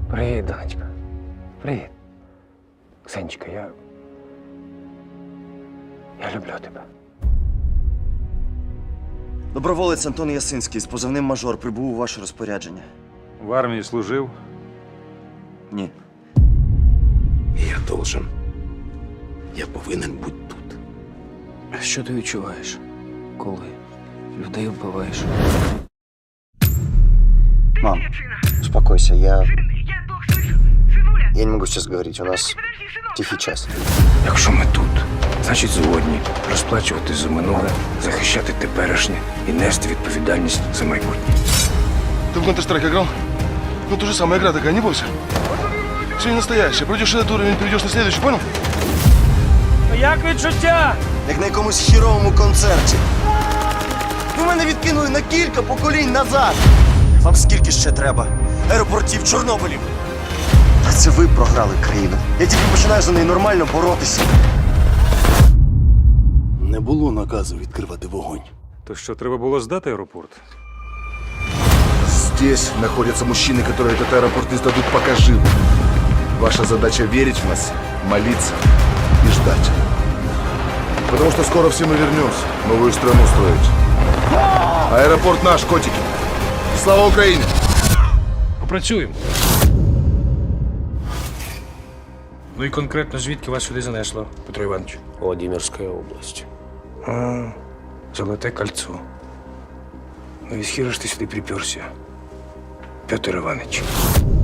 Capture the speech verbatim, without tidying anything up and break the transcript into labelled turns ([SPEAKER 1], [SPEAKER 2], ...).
[SPEAKER 1] Привіт, донечка. Привіт. Ксенечка, я. Я люблю тебе.
[SPEAKER 2] Доброволець Антон Ясинський з позивним «Мажор» прибув у ваше розпорядження.
[SPEAKER 3] В армії служив.
[SPEAKER 2] Ні.
[SPEAKER 4] Я должен. Я повинен бути тут.
[SPEAKER 1] А що ти відчуваєш, коли людей вбиваєш?
[SPEAKER 2] Мам, успокойся, я... Я не могу сейчас говорить, у нас тихий час.
[SPEAKER 1] Якщо ми тут, значить згодні розплачувати за минуле, захищати теперішнє і нести відповідальність за майбутнє.
[SPEAKER 5] Ты в Counter-Strike играл? Ну, то же самая игра такая, не бойся. Все не настоящее. Пройдешь этот уровень, перейдешь на следующий, понял?
[SPEAKER 1] Як відчуття?
[SPEAKER 2] Як на якомусь хіровому концерті. Ви мене відкинули на кілька поколінь назад. Вам скільки ще треба? Аеропортів, Чорнобилів. Та це ви програли країну. Я тільки починаю за неї нормально боротися.
[SPEAKER 4] Не було наказу відкривати вогонь.
[SPEAKER 3] То що, треба було здати аеропорт?
[SPEAKER 5] Здесь находятся мужчины, которые этот аэропорт не сдадут пока живы. Ваша задача верить в нас, молиться и ждать. Потому что скоро все мы вернемся, новую страну строить. Аэропорт наш, котики. Слава Украине!
[SPEAKER 6] Попрацюємо. Ну і конкретно звідки вас сюди занесло, Петро Іванович?
[SPEAKER 1] Владимирська область. А, Золоте кольцо. Ну і схіра ж ти сюди приперся, Петр Іванович.